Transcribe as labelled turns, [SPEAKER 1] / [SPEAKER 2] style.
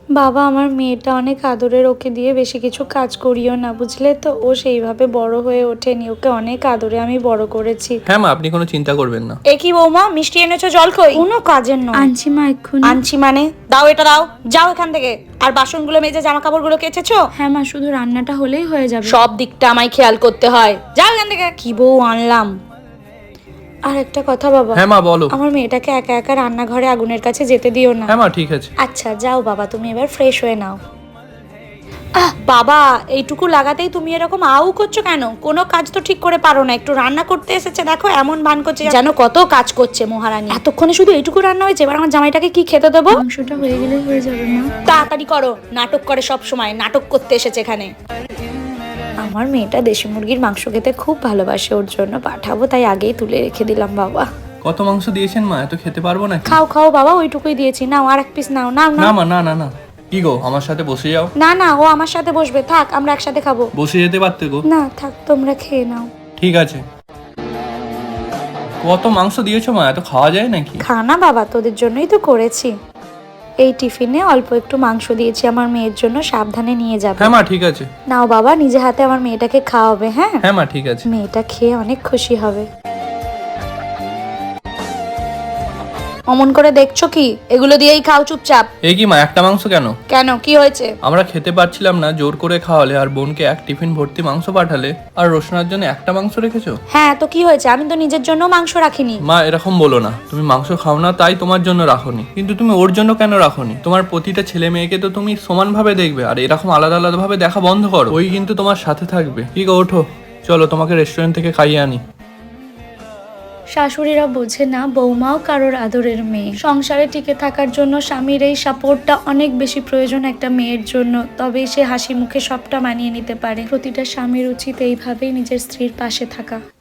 [SPEAKER 1] বাবা, আমার মেয়েটা অনেক আদরের, ওকে দিয়ে বেশি কিছু কাজ করিও না, বুঝলে তো? ও সেইভাবে বড় হয়ে ওঠেনি, ওকে অনেক আদরে আমি বড় করেছি।
[SPEAKER 2] হ্যাঁ মা, আপনি কোনো চিন্তা করবেন না।
[SPEAKER 1] এ কি বৌমা, মিষ্টি এনেছো, জল কই? কোনো কাজের নয়।
[SPEAKER 3] আনছি মা এক্ষুনি।
[SPEAKER 1] আনছি মানে? দাও এটা দাও, যাও এখান থেকে। আর বাসনগুলো মেজে জামা কাপড়গুলো কেচেছো?
[SPEAKER 3] হ্যাঁ মা, শুধু রান্নাটা হলেই হয়ে যাবে।
[SPEAKER 1] সব দিকটা আমায় খেয়াল করতে হয়, যাও এখান থেকে। কি বউ আনলাম। আর একটা কথা বাবা।
[SPEAKER 2] হ্যাঁ মা বলো।
[SPEAKER 1] আমার মেয়েটাকে একা একা রান্নাঘরে আগুনের কাছে যেতে দিও না।
[SPEAKER 2] হ্যাঁ মা ঠিক আছে।
[SPEAKER 1] আচ্ছা যাও বাবা, তুমি এবার ফ্রেশ হয়ে নাও। বাবা, এইটুকু লাগাতেই তুমি এরকম আউ করছো কেন? কোনো কাজ তো ঠিক করে পারো না। একটু রান্না করতে এসেছে, দেখো এমন ভান করছে যেন কত কাজ করছে মহারানী। এতক্ষণে শুধু এইটুকু রান্না হয়েছে, এবার আমার জামাইটাকে কি খেতে দেবো?
[SPEAKER 3] মাংসটা হয়ে গেলেই হয়ে যাবে মা।
[SPEAKER 1] তাড়াতাড়ি করো, নাটক করে সব সময়, নাটক করতে এসেছে এখানে। আমার মেয়েটা দেশি মুরগির মাংস খেতে খুব ভালোবাসে, ওর জন্য পাঠাবো, তাই আগেই তুলে রেখে দিলাম বাবা।
[SPEAKER 2] কত মাংস দিয়েছেন মা? এত খেতে পারবো না।
[SPEAKER 1] খাও খাও বাবা, ওইটুকুই দিয়েছি, নাও আর এক পিস নাও। নাও
[SPEAKER 2] না
[SPEAKER 1] নাও।
[SPEAKER 2] মা, না না না। কি গো, আমার সাথে বসে যাও।
[SPEAKER 1] না না, ও আমার সাথে বসবে, থাক আমরা একসাথে খাবো।
[SPEAKER 2] বসে যেতে পারতে গো।
[SPEAKER 1] না থাক, তোমরা খেয়ে নাও।
[SPEAKER 2] ঠিক আছে। কত মাংস দিয়েছো মা? এত খাওয়া যায় নাকি?
[SPEAKER 1] খানা বাবা, তোদের জন্যই তো করেছি। এই টিফিনে অল্প একটু মাংস দিয়েছি আমার মেয়ের জন্য, সাবধানে নিয়ে যাবে।
[SPEAKER 2] হ্যাঁ মা ঠিক আছে।
[SPEAKER 1] নাও বাবা, নিজে হাতে আমার মেয়েটাকে খাওয়াবে। হ্যাঁ
[SPEAKER 2] হ্যাঁ মা ঠিক আছে।
[SPEAKER 1] মেয়েটা খেয়ে অনেক খুশি হবে। অমন করে দেখছো কি? এগুলো দিয়েই খাও চুপচাপ।
[SPEAKER 2] এই কি মা, একটা মাংস কেন?
[SPEAKER 1] কেন, কি হয়েছে?
[SPEAKER 2] আমরা খেতে পারছিলাম না, জোর করে খাওয়ালে, আর বোনকে এক টিফিন ভর্তি মাংস পাঠালে, আর রোশনার জন্য একটা মাংস রেখেছো।
[SPEAKER 1] হ্যাঁ তো কি হয়েছে? আমি তো নিজের জন্য মাংস রাখিনি।
[SPEAKER 2] মা এরকম বলো না, তুমি মাংস খাও না তাই তোমার জন্য রাখোনি, কিন্তু তুমি ওর জন্য কেন রাখোনি? তোমার প্রতিটা ছেলে মেয়েকে তো তুমি সমান ভাবে দেখবে, আর এরকম আলাদা আলাদা ভাবে দেখা বন্ধ করো। ওই কিন্তু তোমার সাথে থাকবে। ঠিক, ওঠো, চলো তোমাকে রেস্টুরেন্ট থেকে খাইয়ে আনি।
[SPEAKER 3] শাশুড়িরা বোঝে না বৌমাও কারোর আদরের মেয়ে। সংসারে টিকে থাকার জন্য স্বামীর এই সাপোর্টটা অনেক বেশি প্রয়োজন একটা মেয়ের জন্য, তবেই সে হাসি মুখে সবটা মানিয়ে নিতে পারে। প্রতিটা স্বামীর উচিত এইভাবেই নিজের স্ত্রীর পাশে থাকা।